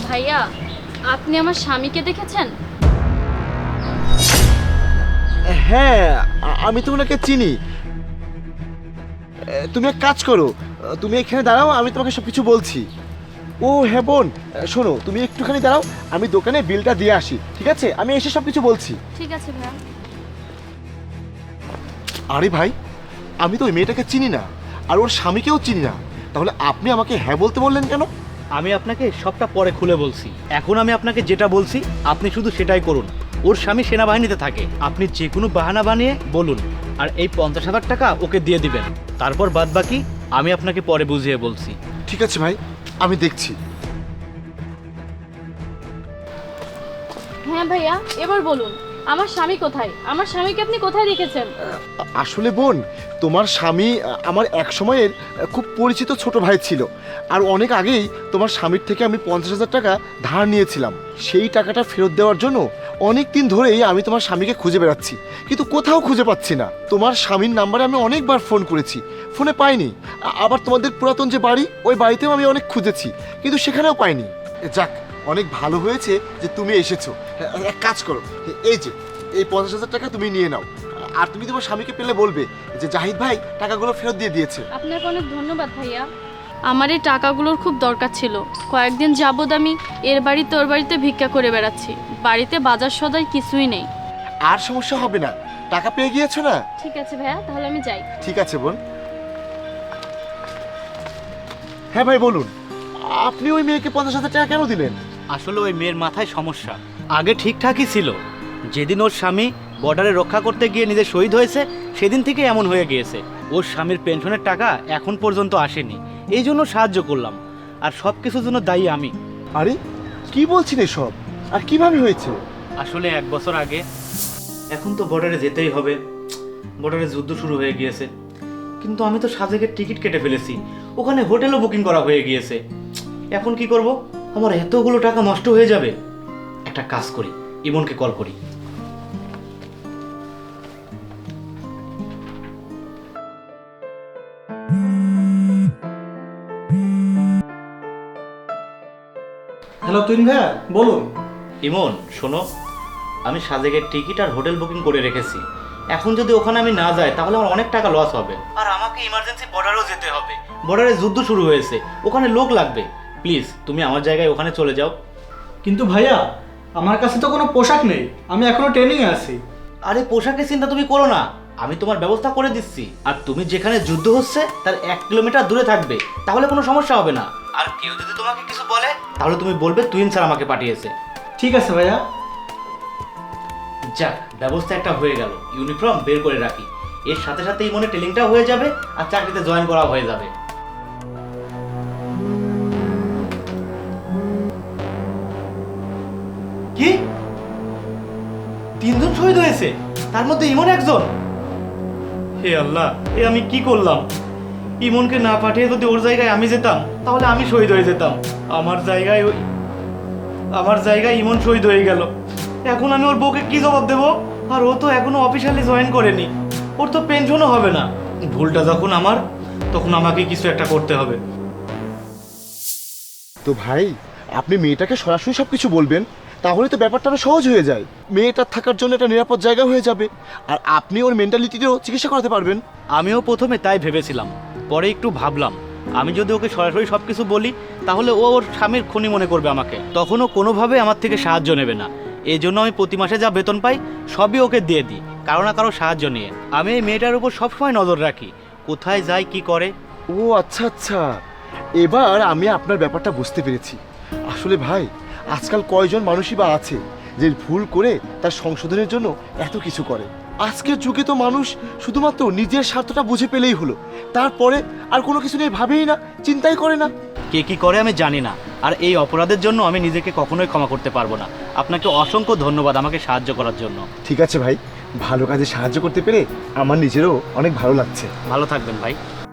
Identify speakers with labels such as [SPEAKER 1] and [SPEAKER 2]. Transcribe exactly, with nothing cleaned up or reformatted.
[SPEAKER 1] ভাইয়া, আপনি আমার স্বামীকে দেখেছেন?
[SPEAKER 2] হ্যাঁ, আ- আমি তো ওনাকে চিনি। এ, তুমি এক কাজ করো, তুমি এখানে দাঁড়াও, আমি তোমাকে সব কিছু বলছি। ও হ্যাঁ বোন, শোনো তুমি একটুখানি দাঁড়াও, আমি দোকানে বিলটা দিয়ে আসি, ঠিক আছে? আমি এসে সব কিছু বলছি।
[SPEAKER 1] ঠিক আছে ভাইয়া।
[SPEAKER 2] আরে ভাই, আমি তো ওই মেয়েটাকে চিনি না, আর ওর স্বামীকেও চিনি না, তাহলে আপনি আমাকে হ্যাঁ বলতে বললেন কেন?
[SPEAKER 3] আমি আপনাকে সবটা পরে খুলে বলছি। এখন আমি আপনাকে যেটা বলছি আপনি শুধু সেটাই করুন। ওর স্বামী সেনাবাহিনীতে থাকে, আপনি যে কোনো বাহানা বানিয়ে বলুন, আর এই পঞ্চাশ হাজার টাকা ওকে দিয়ে দিবেন। তারপর বাদ বাকি আমি আপনাকে পরে বুঝিয়ে বলছি।
[SPEAKER 2] ঠিক আছে ভাই, আমি দেখছি।
[SPEAKER 1] হ্যাঁ ভাইয়া, এবার বলুন, আমার স্বামী কোথায়? আমার স্বামীকে আপনি কোথায় রেখেছেন?
[SPEAKER 2] আসলে বোন, তোমার স্বামী আ, আমার এক সময়ের আ, খুব পরিচিত ছোট ভাই ছিল, আর অনেক আগেই তোমার স্বামীর থেকে আমি পঞ্চাশ হাজার টাকা ধার নিয়েছিলাম। সেই টাকাটা ফেরত দেওয়ার জন্য অনেক দিন ধরেই আমি তোমার স্বামীকে খুঁজে বেড়াচ্ছি, কিন্তু কোথাও খুঁজে পাচ্ছি না। তোমার স্বামীর নাম্বারে আমি অনেকবার ফোন করেছি, ফোনে পাইনি। আ- আবার তোমাদের পুরাতন যে বাড়ি, ওই বাড়িতেও আমি অনেক খুঁজেছি, কিন্তু সেখানেও পাইনি। যাক, অনেক ভালো হয়েছে যে তুমি এসেছো। এ- এক কাজ করো, এই যে এই পঞ্চাশ হাজার টাকা তুমি নিয়ে নাও, আর তুমি তোমার স্বামীকে পেলে বলবে যে জাহিদ ভাই টাকাগুলো ফেরত দিয়ে দিয়েছে।
[SPEAKER 1] আপনাকে অনেক ধন্যবাদ ভাইয়া। আমার এই টাকাগুলোর খুব দরকার ছিল। কয়েকদিন যাবৎ আমি এর বাড়িতে ওর বাড়িতে ভিক্ষা করে বেড়াচ্ছি। বাড়িতে বাজার সদাই কিছুই নেই।
[SPEAKER 2] আর সমস্যা হবে না, টাকা পেয়ে গিয়েছো না?
[SPEAKER 1] ঠিক আছে ভাইয়া, তাহলে আমি যাই।
[SPEAKER 2] ঠিক আছে বোন। হ্যাঁ ভাই বলুন, আপনি ওই মেয়েকে পঞ্চাশ হাজার টাকা কেন দিলেন?
[SPEAKER 3] আসলে ওই মেয়ের মাথায় সমস্যা। আগে ঠিকঠাকই ছিল, যেদিন ওর স্বামী বর্ডারে রক্ষা করতে গিয়ে নিজে শহীদ হয়েছে সেদিন থেকে এমন হয়ে গিয়েছে। ওর স্বামীর পেনশনের টাকা এখন পর্যন্ত আসেনি, এই জন্য সাহায্য করলাম, আর সব কিছুর জন্য দায়ী আমি।
[SPEAKER 2] আরে কি বলছেন এসব, আর কিভাবে হয়েছে?
[SPEAKER 3] আসলে এক বছর আগে, এখন তো বর্ডারে যেতেই হবে, বর্ডারে যুদ্ধ শুরু হয়ে গিয়েছে, কিন্তু আমি তো সাজেকের টিকিট কেটে ফেলেছি, ওখানে হোটেলও বুকিং করা হয়ে গিয়েছে। এখন কি করব? আমার এতগুলো টাকা নষ্ট হয়ে যাবে। একটা কাজ করি, ইমনকে কল করি।
[SPEAKER 4] হ্যালো তুইন ভাইয়া, বলুন।
[SPEAKER 3] ইমন শোনো, আমি সাজেকের টিকিট আর হোটেল বুকিং করে রেখেছি। এখন যদি ওখানে আমি না যাই তাহলে আমার অনেক টাকা লস হবে, আর আমাকে ইমার্জেন্সি বর্ডারেও যেতে হবে। বর্ডারে যুদ্ধ শুরু হয়েছে, ওখানে লোক লাগবে। প্লিজ তুমি আমার জায়গায় ওখানে চলে যাও।
[SPEAKER 4] কিন্তু ভাইয়া, আমার কাছে তো কোনো পোশাক নেই, আমি এখনো ট্রেনিংয়ে আছি।
[SPEAKER 3] আরে পোশাকের চিন্তা তুমি করো না, আমি তোমার ব্যবস্থা করে দিচ্ছি। আর তুমি যেখানে যুদ্ধ হচ্ছে তার এক কিলোমিটার দূরে থাকবে, তাহলে কোনো সমস্যা হবে না। আর কেউ যদি তোমাকে কিছু বলে তাহলে তুমি বলবে তুইন স্যার আমাকে পাঠিয়েছে।
[SPEAKER 4] ঠিক আছে ভাইয়া।
[SPEAKER 3] যাক, ব্যবস্থা একটা হয়ে গেল। ইউনিফর্ম বের করে রাখি, এর সাথে সাথে এই মনে ট্রেনিংটাও হয়ে যাবে আর চাকরিতে জয়েন করা হয়ে যাবে। কি, তিনজন শহীদ হয়েছে, তার মধ্যে ইমন একজন? হে আল্লাহ, এ আমি কি করলাম? ইমনকে না পাঠিয়ে যদি ওর জায়গায় আমি যেতাম তাহলে আমি শহীদ হয়ে যেতাম। আমার জায়গায় ওই আমার জায়গায় ইমন শহীদ হয়ে গেল। এখন আমি ওর বউকে কি জবাব দেব? আর ও তো এখনো অফিসিয়ালি জয়েন করেনি, ওর তো পেনশনও হবে না। ভুলটা যখন আমার, তখন আমাকে কিছু একটা করতে হবে।
[SPEAKER 2] তো ভাই, আপনি মেয়েটাকে সরাসরি সব কিছু বলবেন, তাহলে তো ব্যাপারটা আরো সহজ হয়ে যায়। মেয়েটার থাকার জন্য একটা নিরাপদ জায়গা হয়ে যাবে, আর আপনি ওর মেন্টালিটিতেও চিকিৎসা করাতে পারবেন।
[SPEAKER 3] আমিও প্রথমে তাই ভেবেছিলাম, পরে একটু ভাবলাম আমি যদি ওকে সরাসরি সব কিছু বলি তাহলে ও ওর স্বামীর খুনি মনে করবে আমাকে, তখন ও কোনোভাবে আমার থেকে সাহায্য নেবে না। এই জন্য আমি প্রতি মাসে যা বেতন পাই সবই ওকে দিয়ে দিই, কারো না কারো সাহায্য নিয়ে। আমি এই মেয়েটার উপর সবসময় নজর রাখি, কোথায় যায় কি করে।
[SPEAKER 2] ও আচ্ছা আচ্ছা, এবার আমি আপনার ব্যাপারটা বুঝতে পেরেছি। আসলে ভাই, আজকাল কয়জন মানুষই বা আছে যে ভুল করে তার সংশোধনের জন্য এত কিছু করে। আজকের যুগে তো মানুষ শুধুমাত্র নিজের স্বার্থটা বুঝে পেলেই হলো, তারপরে আর কোনো কিছু নিয়ে ভাবেই না, চিন্তাই করে না।
[SPEAKER 3] কে কি করে আমি জানি না, আর এই অপরাধের জন্য আমি নিজেকে কখনোই ক্ষমা করতে পারবো না। আপনাকে অসংখ্য ধন্যবাদ আমাকে সাহায্য করার জন্য।
[SPEAKER 2] ঠিক আছে ভাই, ভালো কাজে সাহায্য করতে পেরে আমার নিজেরও অনেক ভালো লাগছে।
[SPEAKER 3] ভালো থাকবেন ভাই।